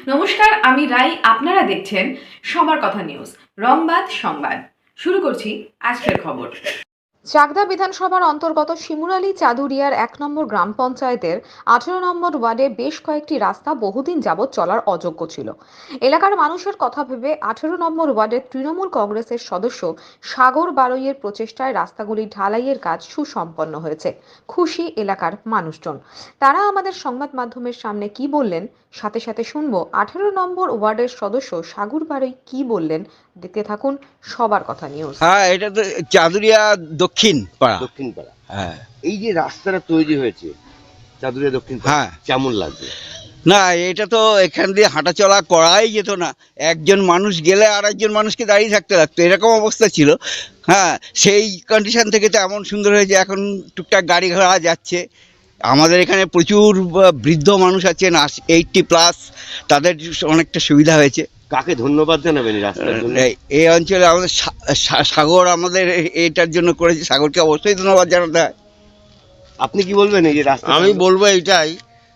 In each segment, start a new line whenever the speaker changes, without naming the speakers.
নমস্কার, আমি রাই। আপনারা দেখছেন সবার কথা নিউজ, রংবাদ সংবাদ। শুরু করছি আজকের খবর।
চাকদা বিধানসভার অন্তর্গত শিমুরালী চাদুরিয়ার ১ নম্বর গ্রাম পঞ্চায়েতের ১৮ নম্বর ওয়ার্ডে বেশ কয়েকটি রাস্তা বহুদিন যাবৎ চলার অযোগ্য ছিল। এলাকার মানুষের কথা ভেবে ১৮ নম্বর ওয়ার্ডের তৃণমূল কংগ্রেসের সদস্য সাগর বারৈয়ের প্রচেষ্টায় রাস্তাগুলি ঢালাইয়ের কাজ সুসম্পন্ন হয়েছে। খুশি এলাকার মানুষজন। তারা আমাদের সংবাদ মাধ্যমের সামনে কি বললেন, সাথে সাথে শুনবো ১৮ নম্বর ওয়ার্ডের সদস্য সাগর বারৈ কি বললেন। দেখতে থাকুন সবার কথা নিউজ।
হ্যাঁ, এটা তো চাদুরিয়া দক্ষিণ পাড়া।
দক্ষিণ পাড়া।
হ্যাঁ,
এই যে রাস্তাটা তৈরি হয়েছে চাদুরিয়া দক্ষিণ পাড়া,
হ্যাঁ।
কেমন লাগছে?
না, এটা তো এখান দিয়ে হাঁটাচলা করাই যেত না। একজন মানুষ গেলে আর একজন মানুষকে দাঁড়িয়ে থাকতে লাগতো, এরকম অবস্থা ছিল। হ্যাঁ, সেই কন্ডিশন থেকে তো এমন সুন্দর হয়েছে, এখন টুকটাক গাড়ি ঘোড়া যাচ্ছে। আমাদের এখানে প্রচুর বৃদ্ধ মানুষ আছেন, 80+, তাদের অনেকটা সুবিধা হয়েছে।
কাকে ধন্যবাদ জানাবেন এই রাস্তার জন্য?
এই অঞ্চলে আমাদের সাগর আমাদের এটার জন্য করেছে, সাগরকে অবশ্যই ধন্যবাদ জানাতে হয়।
আপনি কি বলবেন এই যে রাস্তা?
আমি বলবো এইটাই,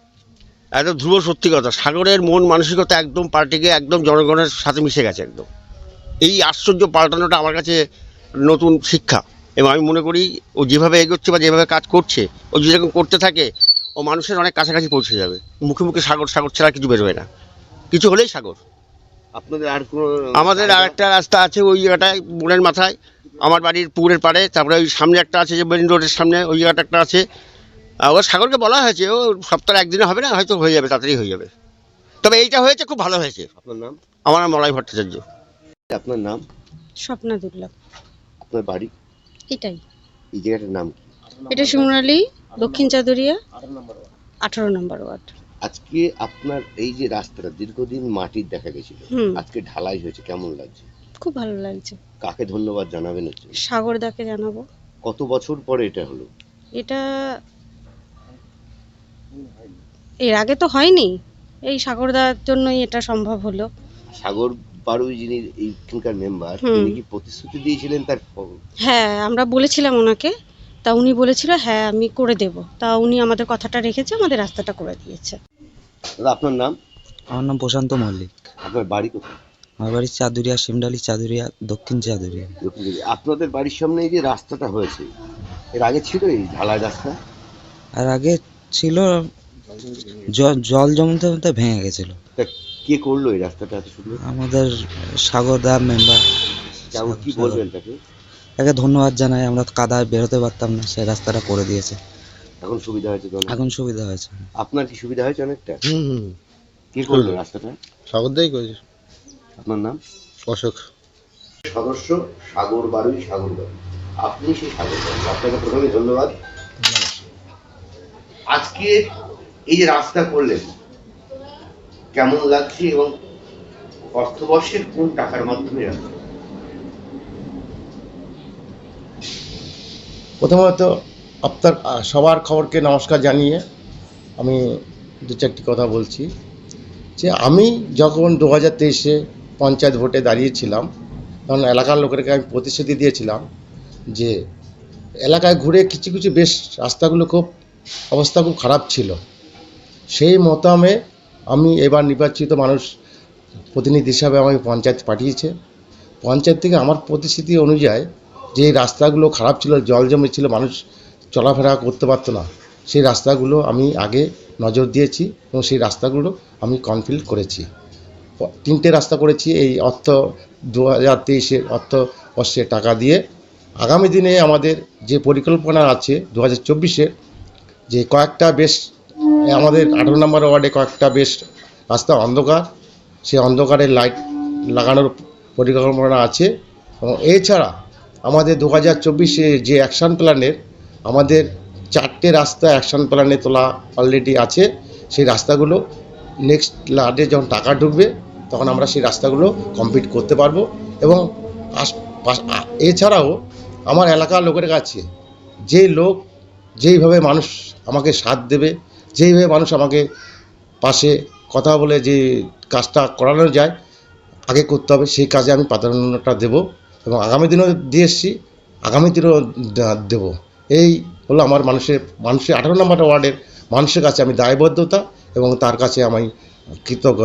একদম ধ্রুব সত্যি কথা, সাগরের মন মানসিকতা একদম পাল্টে গিয়ে একদম জনগণের সাথে মিশে গেছে একদম। এই আশ্চর্য পাল্টানোটা আমার কাছে নতুন শিক্ষা, এবং আমি মনে করি ও যেভাবে এগোচ্ছে বা যেভাবে কাজ করছে, ও যেরকম করতে থাকে, ও মানুষের অনেক কাছাকাছি পৌঁছে যাবে। মুখে মুখে সাগর সাগর ছাড়া কিছু বেরোবে না, কিছু হলেই সাগর।
আপনাদের আর কোনো?
আমাদের আর একটা রাস্তা আছে ওই জায়গাটায়, বনের মাথায়, আমার বাড়ির পুকুরের পাড়ে। তারপরে ওই সামনে একটা আছে, যে মেন রোডের সামনে ওই জায়গাটা একটা আছে। ও সাগরকে বলা হয়েছে, ও সপ্তাহে একদিনে হবে না, হয়তো হয়ে যাবে, তাড়াতাড়ি হয়ে যাবে। তবে এইটা হয়েছে, খুব ভালো হয়েছে।
আপনার নাম?
আমার নাম মলয় ভট্টাচার্য।
আপনার নাম?
স্বপ্না দুর্লভ।
আপনার বাড়ি?
এটাই,
এই জায়গাটার নাম কি?
এটা শিমুরালী দক্ষিণ চাদুরিয়া 18 নম্বর ওয়ার্ড।
আজকে আপনার এই যে রাস্তাটা দীর্ঘদিন মাটির দেখা গেছিল, আজকে ঢালাই হয়েছে, কেমন লাগছে?
খুব ভালো লাগছে।
কাকে ধন্যবাদ জানাবেন হচ্ছে?
সাগরদাকে জানাবো।
কত বছর পরে এটা হলো?
এটা এর আগে তো হয়নি, এই সাগরদার জন্যই এটা সম্ভব হলো।
সাগর বারুই যিনি এইখানকার মেম্বার, তিনি কি প্রতিশ্রুতি দিয়েছিলেন তার?
হ্যাঁ, আমরা বলেছিলাম ওনাকে, তা উনি বলেছিল হ্যাঁ আমি করে দেব। তা উনি আমাদের কথাটা রেখেছে, আমাদের রাস্তাটা করে দিয়েছে।
দাদা, আপনার নাম?
আমার নাম প্রশান্ত মল্লিক।
আপনার বাড়ি কোথায়?
আমার বাড়ি চাদুরিয়া, শিমডালি চাদুরিয়া, দক্ষিণ চাদুরিয়া।
দক্ষিণ দিকে। আপনাদের বাড়ির সামনে এই যে রাস্তাটা হয়েছে, এর আগে ছিল এই ঢালাই রাস্তা?
আর আগে ছিল, জল জমতে জমতে ভেঙে গেছিল।
তা কে করলো এই রাস্তাটা এত সুন্দর?
আমাদের সাগরদা মেম্বার।
কেমন, কি বলবেন তাকে?
তাকে ধন্যবাদ জানাই, আমরা তো কাদায় বেরোতে পারতাম না, সে রাস্তাটা করে দিয়েছে।
এখন সুবিধা হয়েছে তো?
এখন সুবিধা হয়েছে।
আপনার কি সুবিধা হয়েছে অনেকটা? কে করলো রাস্তাটা?
সাগরদাই করেছে।
আপনার নাম?
অশোক।
সদস্য সাগর বারুই, সাগর বারুই। আপনি সেই সাগর বারুই, আপনাকে প্রথমে ধন্যবাদ। আজকে এই যে রাস্তা করলেন, কেমন লাগছে এবং অর্থবর্ষের কোন টাকার মাধ্যমে রাস্তা?
প্রথমত আপনার সবার খবরকে নমস্কার জানিয়ে আমি দু চারটি কথা বলছি। যে আমি যখন 2023-এ পঞ্চায়েত ভোটে দাঁড়িয়েছিলাম, তখন এলাকার লোকেরকে আমি প্রতিশ্রুতি দিয়েছিলাম যে এলাকায় ঘুরে কিছু কিছু বেশ রাস্তাগুলো খুব অবস্থা খুব খারাপ ছিল। সেই মতামে আমি এবার নির্বাচিত মানুষ প্রতিনিধি হিসাবে আমি পঞ্চায়েত পাঠিয়েছে। পঞ্চায়েত থেকে আমার প্রতিশ্রুতি অনুযায়ী যে রাস্তাগুলো খারাপ ছিল, জল জমেছিল, মানুষ চলাফেরা করতে পারতো না, সেই রাস্তাগুলো আমি আগে নজর দিয়েছি এবং সেই রাস্তাগুলো আমি কমপ্লিট করেছি। 3টে রাস্তা করেছি এই 2023-এর অর্থবর্ষে টাকা দিয়ে। আগামী দিনে আমাদের যে পরিকল্পনা আছে 2024-এর, যে কয়েকটা বেশ আমাদের 18 নম্বর ওয়ার্ডে কয়েকটা বেশ রাস্তা অন্ধকার, সেই অন্ধকারের লাইট লাগানোর পরিকল্পনা আছে। এবং এছাড়া আমাদের 2024-এ যে অ্যাকশন প্ল্যানের আমাদের 4টে রাস্তা অ্যাকশন প্ল্যানে তোলা অলরেডি আছে। সেই রাস্তাগুলো নেক্সট লাডে যখন টাকা ঢুকবে তখন আমরা সেই রাস্তাগুলো কমপ্লিট করতে পারবো। এবং এছাড়াও আমার এলাকার লোকের কাছে যে লোক যেইভাবে মানুষ আমাকে সাথ দেবে, যেইভাবে মানুষ আমাকে পাশে কথা বলে যে কাজটা করানো যায় আগে করতে হবে, সেই কাজে আমি প্রাধান্যটা দেব এবং আগামী দিনেও দিয়ে এসেছি, আগামী দিনেও দেব। এই হলো আমার মানুষের 18 নম্বর ওয়ার্ডের মানুষের কাছে আমি দায়বদ্ধতা এবং তার কাছে আমি কৃতজ্ঞতা।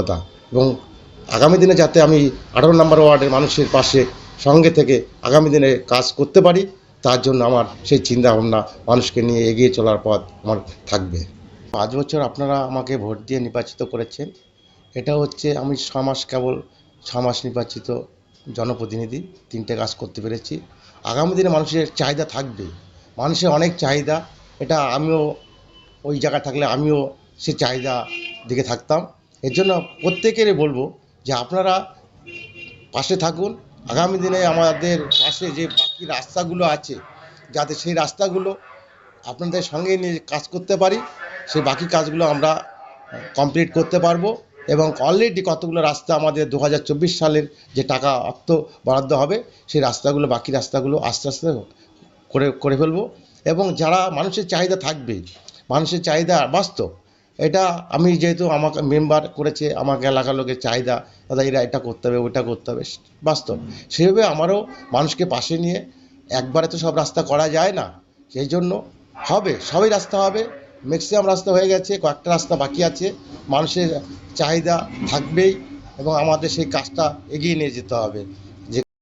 এবং আগামী দিনে যাতে আমি 18 নম্বর ওয়ার্ডের মানুষের পাশে সঙ্গে থেকে আগামী দিনে কাজ করতে পারি, তার জন্য আমার সেই চিন্তাভাবনা মানুষকে নিয়ে এগিয়ে চলার পথ আমার থাকবে। 5 বছর আপনারা আমাকে ভোট দিয়ে নির্বাচিত করেছেন। এটা হচ্ছে আমি 6 মাস নির্বাচিত জনপ্রতিনিধি, 3টে কাজ করতে পেরেছি। আগামী দিনে মানুষের চাহিদা থাকবে, মানুষের অনেক চাহিদা, এটা আমিও ওই জায়গায় থাকলে আমিও সে চাহিদা দিকে থাকতাম। এর জন্য প্রত্যেকেরই বলবো যে আপনারা পাশে থাকুন। আগামী দিনে আমাদের পাশে যে বাকি রাস্তাগুলো আছে, যাতে সেই রাস্তাগুলো আপনাদের সঙ্গে নিয়ে কাজ করতে পারি, সেই বাকি কাজগুলো আমরা কমপ্লিট করতে পারবো। এবং অলরেডি কতগুলো রাস্তা আমাদের 2024 সালের যে টাকা অর্থ বরাদ্দ হবে, সেই রাস্তাগুলো বাকি রাস্তাগুলো আস্তে আস্তে করে ফেলবো। এবং যারা মানুষের চাহিদা থাকবে, মানুষের চাহিদা বাস্তব, এটা আমি যেহেতু আমাকে মেম্বার করেছে, আমাকে এলাকার লোকের চাহিদা, দাদা এরা এটা করতে হবে ওইটা করতে হবে, বাস্তব সেভাবে আমারও মানুষকে পাশে নিয়ে একবারে তো সব রাস্তা করা যায় না, সেই জন্য হবে, সবই রাস্তা হবে। ম্যাক্সিমাম রাস্তা হয়ে গেছে, কয়েকটা রাস্তা বাকি আছে, মানুষের চাহিদা থাকবেই এবং আমাদের সেই কাজটা এগিয়ে নিয়ে যেতে হবে।